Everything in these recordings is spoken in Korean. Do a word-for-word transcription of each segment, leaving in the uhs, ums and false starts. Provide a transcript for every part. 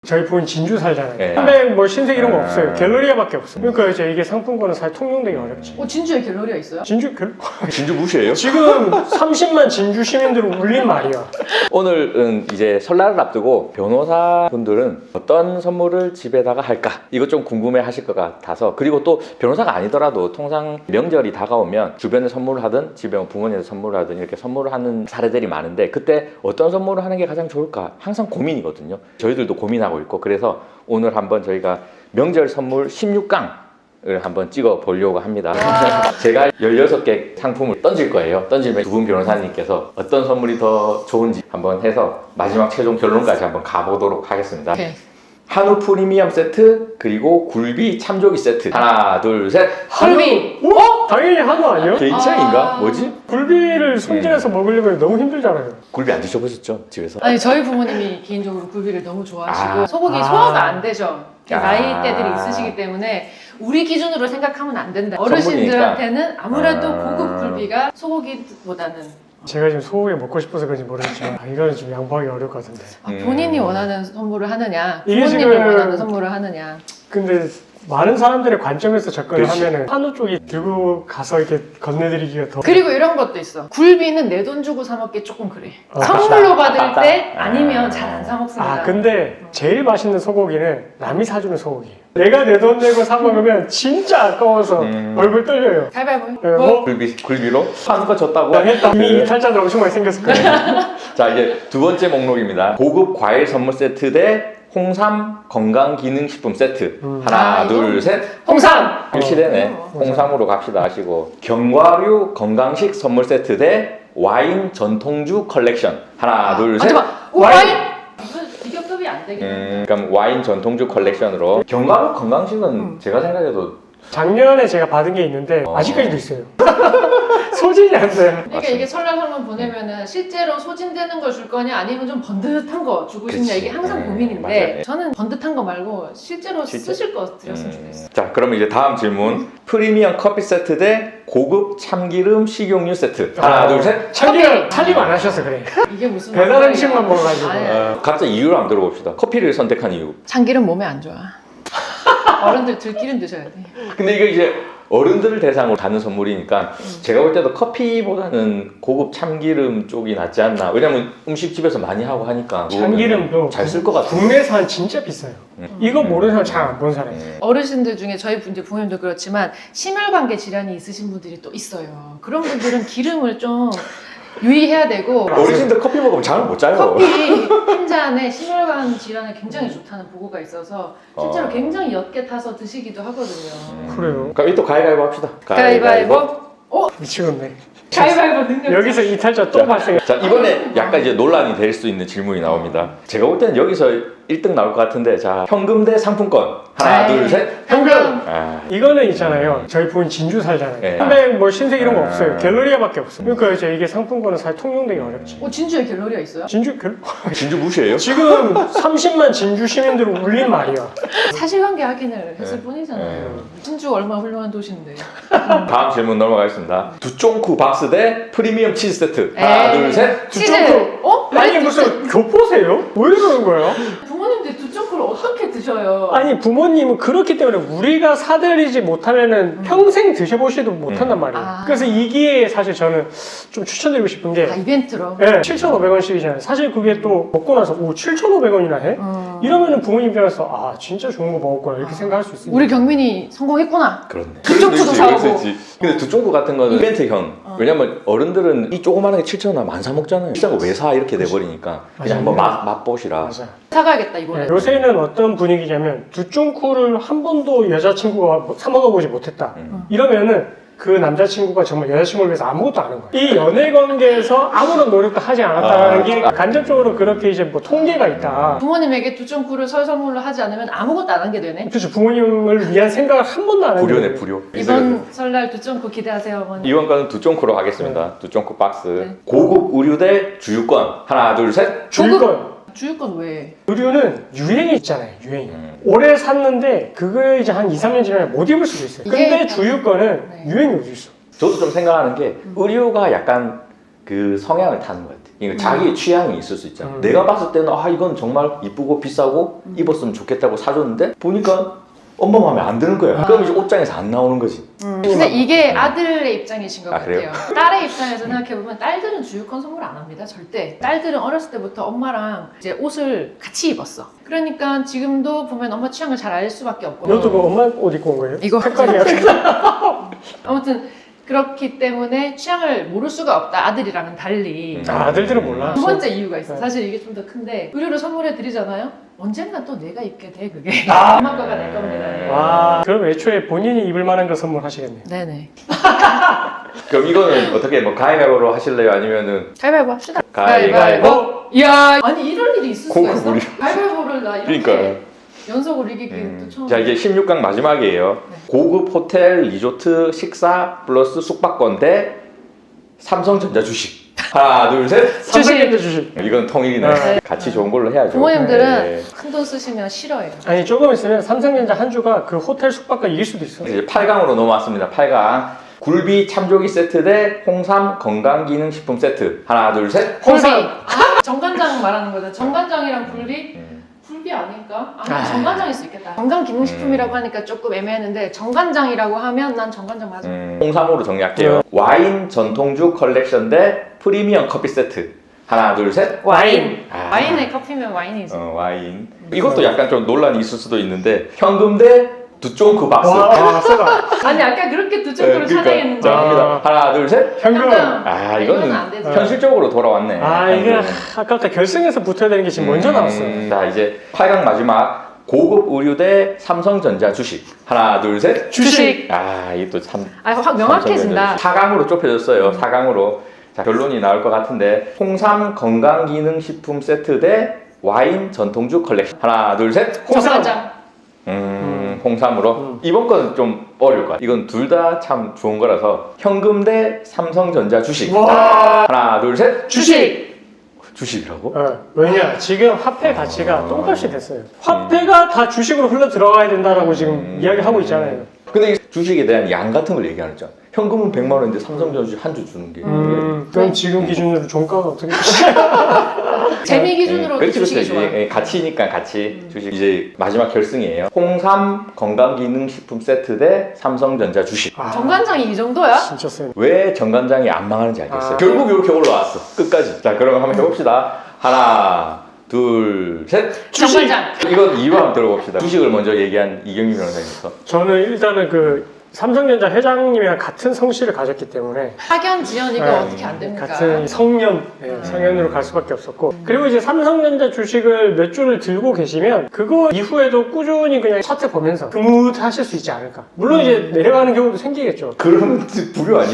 저희 부인 진주 살잖아요. 네. 한백 뭐 신세 이런 거 아. 없어요. 갤러리아밖에 없어요. 그러니까 이제 이게 상품권은 사실 통용되기 어렵지. 어, 진주에 갤러리아 있어요? 진주 갤 진주 무시해요? 지금 삼십만 진주 시민들을 울린 말이야. 오늘은 이제 설날을 앞두고 변호사분들은 어떤 선물을 집에다가 할까? 이거 좀 궁금해 하실 것 같아서, 그리고 또 변호사가 아니더라도 통상 명절이 다가오면 주변에 선물을 하든 집에 부모님한테 선물을 하든 이렇게 선물을 하는 사례들이 많은데, 그때 어떤 선물을 하는 게 가장 좋을까? 항상 고민이거든요. 저희들도 고민하고 있고, 그래서 오늘 한번 저희가 명절 선물 십육 강을 한번 찍어 보려고 합니다. 제가 열여섯 개 상품을 던질 거예요. 던지면 두 분 변호사님께서 어떤 선물이 더 좋은지 한번 해서 마지막 최종 결론까지 한번 가보도록 하겠습니다. 오케이. 한우 프리미엄 세트, 그리고 굴비 참조기 세트. 하나, 둘, 셋. 굴비! 어? 당연히 한우 아니요? 개인 차이인가? 아. 뭐지? 굴비를 손질해서 먹으려면 너무 힘들잖아요. 굴비 안 드셔보셨죠? 집에서? 아니 저희 부모님이 개인적으로 굴비를 너무 좋아하시고 아. 소고기 아. 소화가 안 되죠. 아. 나이대들이 있으시기 때문에 우리 기준으로 생각하면 안 된다. 전문이니까. 어르신들한테는 아무래도 아. 고급 굴비가 소고기보다는 제가 지금 소고기 먹고 싶어서 그런지 모르겠지만 아, 이거는 좀 양보하기 어려울 것 같은데. 아, 음. 본인이 원하는 선물을 하느냐, 이게 부모님이 지금- 원하는 선물을 하느냐. 근데 많은 사람들의 관점에서 접근을 그치. 하면은 한우 쪽이 들고 가서 이렇게 건네드리기가 더 그리고 이런 것도 있어. 굴비는 내 돈 주고 사 먹기 조금 그래. 어, 선물로 받을 아깝다. 때 아니면 잘 안 사 먹습니다. 아 근데 제일 맛있는 소고기는 남이 사주는 소고기예요. 내가 내 돈 내고 사 먹으면 진짜 아까워서 음. 얼굴 떨려요. 가위바위보. 네, 뭐? 굴비, 굴비로? 하는 거 졌다고? 당했다. 이미 그- 이탈자들 엄청 많이 생겼을 거예요. 자, 이제 두 번째 목록입니다. 고급 과일 선물 세트 대 홍삼 건강기능식품 세트. 음. 하나, 아, 둘, 이거? 셋. 홍삼! 일치되네. 어. 홍삼으로 갑시다 하시고. 견과류 건강식 선물 세트 대 와인 전통주 컬렉션. 하나, 둘, 셋. 잠깐만. 와인! 와인! 이건 비교급이 안 되겠네. 음, 그럼 와인 전통주 컬렉션으로. 견과류 건강식은 음. 제가 생각해도 작년에 제가 받은 게 있는데 어. 아직까지도 있어요. 소진이 안 돼요. 그러니까 맞습니다. 이게 설날 선물 보내면은 실제로 소진되는 걸 줄 거냐 아니면 좀 번듯한 거 주고 싶냐 그치. 이게 항상 음, 고민인데 맞아요. 저는 번듯한 거 말고 실제로 실제? 쓰실 거 드렸으면 음. 좋겠어요. 자, 그러면 이제 다음 질문. 프리미엄 커피 세트 대 고급 참기름 식용유 세트. 하나, 아. 둘, 셋. 참기름 살림 안 하셔서 그래. 이게 무슨 배달 말이야. 음식만 먹어가지고. 아니, 어, 각자 이유를 한번 들어봅시다. 커피를 선택한 이유. 참기름 몸에 안 좋아. 어른들 들기름 드셔야 돼. 근데 이거 이제 어른들을 대상으로 하는 선물이니까 제가 볼 때도 커피보다는 고급 참기름 쪽이 낫지 않나. 왜냐면 음식집에서 많이 하고 하니까. 참기름도 잘 쓸 것 같아요. 국내산 진짜 비싸요. 음. 이거 모르는 사람 잘 안 본 사람이에요. 음. 어르신들 중에 저희 분 이제 부모님도 그렇지만 심혈관계 질환이 있으신 분들이 또 있어요. 그런 분들은 기름을 좀 유의해야 되고 어르신들 커피 먹으면 잠을 못 자요. 커피 한 잔에 심혈관 질환에 굉장히 좋다는 보고가 있어서 실제로 어. 굉장히 옅게 타서 드시기도 하거든요. 음. 그래요. 그럼 이또 가위바위보 합시다. 가위바위보. 미치겠네. 가위바위보 능력. 여기서 이탈자 또 자, 발생. 자, 이번에 약간 이제 논란이 될 수 있는 질문이 나옵니다. 제가 볼 때는 여기서 일 등 나올 것 같은데, 자, 현금 대 상품권. 하나, 에이. 둘, 셋. 현금! 아, 이거는 있잖아요. 저희 부인 진주 살잖아요. 네. 한백 뭐 신세 이런 거 아. 없어요. 갤러리아밖에 없어요. 그러니까 이제 이게 상품권은 사실 통용되기 어렵지. 어 진주에 갤러리아 있어요? 진주 갤 진주 무시해요? 지금 삼십만 진주 시민들을 울린 말이야. 사실관계 확인을 했을 네. 뿐이잖아요. 진주 얼마나 훌륭한 도시인데. 다음 질문 넘어가겠습니다. 두쫑쿠 박스 대 프리미엄 치즈 세트. 하나, 에이. 둘, 셋. 치즈. 두쫑코. 어? 아니 무슨 교포세요? 왜 그러는 거예요? 부모님들 두쫑코를 어떻게 드셔요? 아니 부모님은 그렇기 때문에 우리가 사드리지 못하면은 평생 드셔보시도 못한단 음. 말이에요. 아. 그래서 이 기회에 사실 저는 좀 추천드리고 싶은 게 아 이벤트로. 네, 칠천오백 원씩이잖아요. 사실 그게 또 먹고 나서 오 칠천오백 원이나 해? 음. 이러면은 부모님 입장에서 아 진짜 좋은 거 먹었구나 이렇게 생각할 수 있습니다. 우리 경민이 성공했구나. 그렇네. 두쫑쿠도 사오고. 근데 두쫑쿠 같은 거는 이벤트형. 어. 왜냐면 어른들은 이 조그마한 게 칠천 원 많이 사 먹잖아요. 비싼 거 왜 사? 이렇게 돼버리니까. 그냥 맞아요. 한번 맛, 맛보시라. 맞아. 사가야겠다 이번에. 네, 요새는 어떤 분위기냐면 두쫑쿠를 한 번도 여자친구가 사 먹어보지 못했다. 음. 이러면은 그 남자친구가 정말 여자친구를 위해서 아무것도 안 한 거야. 이 연애 관계에서 아무런 노력도 하지 않았다는 아, 게 아. 간접적으로 그렇게 이제 뭐 통계가 있다. 부모님에게 두쫑쿠를 설 선물로 하지 않으면 아무것도 안 한 게 되네. 그렇죠. 부모님을 위한 생각을 한 번도 안 하는 불효네, 거예요. 불효. 이번 설날 두쫑쿠 기대하세요 어머니. 이번 거는 두쫑쿠로 하겠습니다. 두쫑쿠 박스. 네. 고급 의류 대 주유권. 하나, 둘, 셋. 주유권. 주유권 왜? 의류는 유행이 있잖아요. 유행이. 음. 올해 샀는데 그거 이제 한 이, 삼 년 지나면 못 입을 수도 있어요. 이게 근데 약간- 주유권은 네. 유행이 어디 있어. 저도 좀 생각하는 게 의류가 약간 그 성향을 타는 것 같아요. 이거 자기의 취향이 있을 수 있잖아. 음. 내가 봤을 때는 아 이건 정말 이쁘고 비싸고 입었으면 좋겠다고 사줬는데 보니까 엄마 마음에 안 드는 거야. 아. 그럼 이제 옷장에서 안 나오는 거지. 음, 근데 이게 아들의 입장이신 것 아, 그래요? 같아요. 딸의 입장에서 생각해보면 딸들은 주유권 선물 안 합니다. 절대. 딸들은 어렸을 때부터 엄마랑 이제 옷을 같이 입었어. 그러니까 지금도 보면 엄마 취향을 잘 알 수밖에 없고. 너도 그 엄마 옷 입고 온 거예요? 이거 색깔이 아무튼 그렇기 때문에 취향을 모를 수가 없다. 아들이랑은 달리. 아, 아들들은 몰라. 두 번째 이유가 있어. 네. 사실 이게 좀 더 큰데 의류를 선물해 드리잖아요. 언젠가 또 내가 입게 돼 그게. 엄마 거가 내 겁니다. 와, 그럼 애초에 본인이 입을 만한 거 선물하시겠네요. 네네. 그럼 이거는 어떻게 뭐 가위바위보로 하실래요? 아니면은 가위바위보 합시다. 가위바위보? 이야, 아니 이런 일이 있을 수가 고급 있어? 우리- 가위바위보를 나 이렇게 그러니까요. 연속으로 이기기 음. 또 처음. 자 이제 십육 강 마지막이에요. 네. 고급 호텔 리조트 식사 플러스 숙박권 대 삼성전자 주식. 하나 둘 셋. 삼성전자 주식. 이건 통일이네. 네. 같이 좋은 걸로 해야죠. 부모님들은 네. 큰 돈 쓰시면 싫어해요. 아니 조금 있으면 삼성전자 한 주가 그 호텔 숙박과 이길 수도 있어. 이제 팔 강으로 넘어왔습니다. 팔 강. 굴비 참조기 세트 대 홍삼 건강기능식품 세트. 하나 둘 셋. 굴비. 홍삼. 아, 정관장 말하는 거죠. 정관장이랑 굴비? 음. 굴비 아닐까? 아니 아. 정관장일 수 있겠다. 건강기능식품이라고 하니까 조금 애매했는데 정관장이라고 하면 난 정관장 맞아. 음, 홍삼으로 정리할게요. 와인 전통주 컬렉션 대 프리미엄 커피 세트. 하나 둘 셋. 와인. 아. 와인에 커피면 와인이지. 어, 와인. 이것도 약간 좀 논란이 있을 수도 있는데 현금 대 두쫑크 박스. 와, 아, 세다. 아니 아까 그렇게 두 네, 정도로 그러니까. 찬양했는데. 자, 갑니다. 하나 둘 셋. 현금. 아 이거는 이거는 안 되죠. 현실적으로 돌아왔네. 아, 이게 현금. 아깝다. 결승에서 붙어야 되는 게 지금 먼저 음, 나왔어요. 자 이제 팔 강 마지막 고급 의류 대 삼성전자 주식. 하나 둘 셋. 주식. 아 이게 또참 아, 확 명확해진다. 사 강으로 좁혀졌어요. 사 강으로. 자 결론이 나올 것 같은데 홍삼 건강기능식품 세트 대 와인 전통주 컬렉션. 하나 둘 셋. 홍삼. 정관장. 음, 홍삼으로. 음. 이번 건 좀 어려울 것 같아. 이건 둘 다 참 좋은 거라서 현금 대 삼성전자 주식. 와. 하나 둘 셋. 주식. 주식이라고? 어, 왜냐? 지금 화폐 가치가 똥값이 됐어요. 화폐가 다 주식으로 흘러 들어가야 된다라고 지금 음. 이야기하고 있잖아요. 근데 이 주식에 대한 양 같은 걸 얘기하는 잖아. 현금은 백만 원인데 삼성전자 주식 한 주 주는 게. 음, 그럼 네. 지금 기준으로 종가가 어떻게 재미 기준으로 그렇지, 주식이 그렇지. 좋아. 예, 가치니까 가치. 주식 이제 마지막 결승이에요. 홍삼 건강기능식품 세트 대 삼성전자 주식. 아, 정관장이 이 정도야? 진짜 세. 왜 정관장이 안 망하는지 알겠어요. 아. 결국 이렇게 올라왔어. 끝까지. 자, 그러면 한번 해봅시다. 하나, 둘, 셋. 주식! 정관장. 이건 이유 한번 들어봅시다. 주식을 먼저 얘기한 이경민 변호사님부터. 저는 일단은 그 삼성전자 회장님이랑 같은 성씨를 가졌기 때문에 학연 지연이가 네. 어떻게 안 됩니까? 같은 성년, 네, 성년으로 갈 수밖에 없었고 그리고 이제 삼성전자 주식을 몇 주를 들고 계시면 그거 이후에도 꾸준히 그냥 차트 보면서 흐뭇하실 수 있지 않을까. 물론 이제 내려가는 경우도 생기겠죠. 그러면 불효 아니야?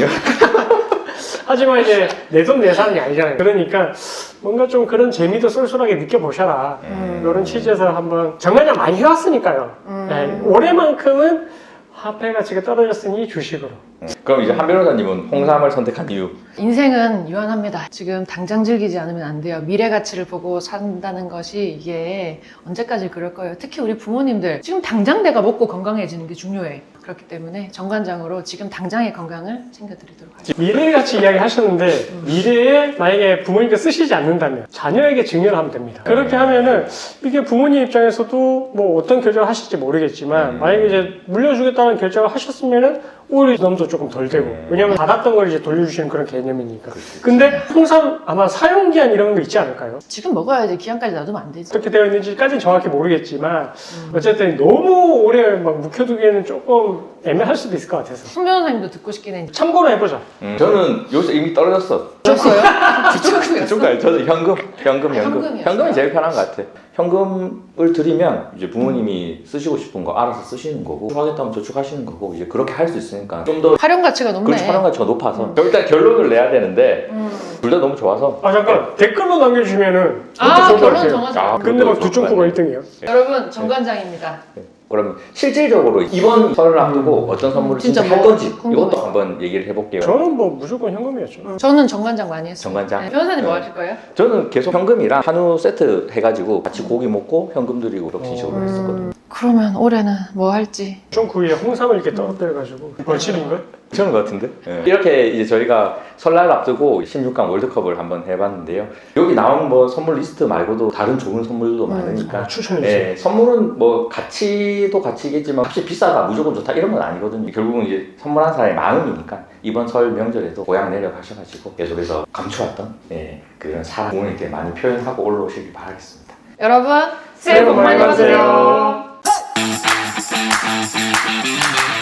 하지만 이제 내 돈 내산이 아니잖아요. 그러니까 뭔가 좀 그런 재미도 쏠쏠하게 느껴보셔라. 음. 이런 취지에서 한번 정관장 많이 해왔으니까요. 음. 네, 올해만큼은 화폐 가치가 떨어졌으니 주식으로. 그럼 이제 한 변호사님은 홍삼을 선택한 이유. 인생은 유한합니다. 지금 당장 즐기지 않으면 안 돼요. 미래 가치를 보고 산다는 것이 이게 언제까지 그럴 거예요. 특히 우리 부모님들 지금 당장 내가 먹고 건강해지는 게 중요해. 그렇기 때문에 정관장으로 지금 당장의 건강을 챙겨드리도록 하겠습니다. 미래 가치 이야기 하셨는데 미래에 만약에 부모님께 쓰시지 않는다면 자녀에게 증여를 하면 됩니다. 그렇게 하면은 이게 부모님 입장에서도 뭐 어떤 결정을 하실지 모르겠지만 음. 만약에 이제 물려주겠다는 결정을 하셨으면은 오히려 부담도 조금 덜 되고 음. 왜냐면 받았던 걸 이제 돌려주시는 그런 개념이니까. 근데 홍삼 아마 사용기한 이런 거 있지 않을까요? 지금 먹어야지 기한까지 놔두면 안 되지. 어떻게 되어 있는지까지는 정확히 모르겠지만 음. 어쨌든 너무 오래 막 묵혀두기에는 조금 애매할 수도 있을 것 같아서 손 변호사님도 듣고 싶긴 해. 참고로 해보자. 음, 저는 요새 이미 떨어졌어. 줬어요? 주축이었어? 중간 저는 현금, 현금, 현금. 현금이었어요? 현금이 제일 편한 것 같아. 현금을 드리면 이제 부모님이 쓰시고 싶은 거 알아서 쓰시는 거고 하겠다면 저축하시는 거고 이제 그렇게 할 수 있으니까 좀 더 활용 가치가 높네. 그렇지 활용 가치가 높아서 음. 일단 결론을 내야 되는데 음. 둘 다 너무 좋아서 아 잠깐 댓글로 남겨주시면은 아, 좋을 것 결론 같아요. 정하자. 아, 근데 막 그것도 두점프가 좋을 일 등이에요. 여러분 정관장입니다. 그러면 실질적으로 이번 설을 앞두고 어떤 선물을 진짜 진짜 할 뭐 건지 궁금해요. 이것도 한번 얘기를 해볼게요. 저는 뭐 무조건 현금이었죠. 저는 정관장 많이 했어요. 정관장? 네, 변호사님 뭐 네. 하실 거예요? 저는 계속 현금이랑 한우 세트 해가지고 같이 고기 먹고 현금 드리고 이렇게 식으로 했었거든요. 그러면 올해는 뭐 할지. 좀 그 위에 홍삼을 이렇게 떨어뜨려가지고 벌집인 걸? 괜찮은 것 같은데? 예. 이렇게 이제 저희가 설날 앞두고 십육 강 월드컵을 한번 해봤는데요. 여기 나온 뭐 선물 리스트 말고도 다른 좋은 선물도 많으니까 아, 추천해주세요. 예, 선물은 뭐 가치도 가치겠지만 혹시 비싸다 무조건 좋다 이런 건 아니거든요. 결국은 이제 선물한 사람의 마음이니까 이번 설 명절에도 고향 내려가셔가지고 계속해서 감추었던 예, 그런 사랑 부모님께 많이 표현하고 올라오시길 바라겠습니다. 여러분 새해 복 많이 받으세요.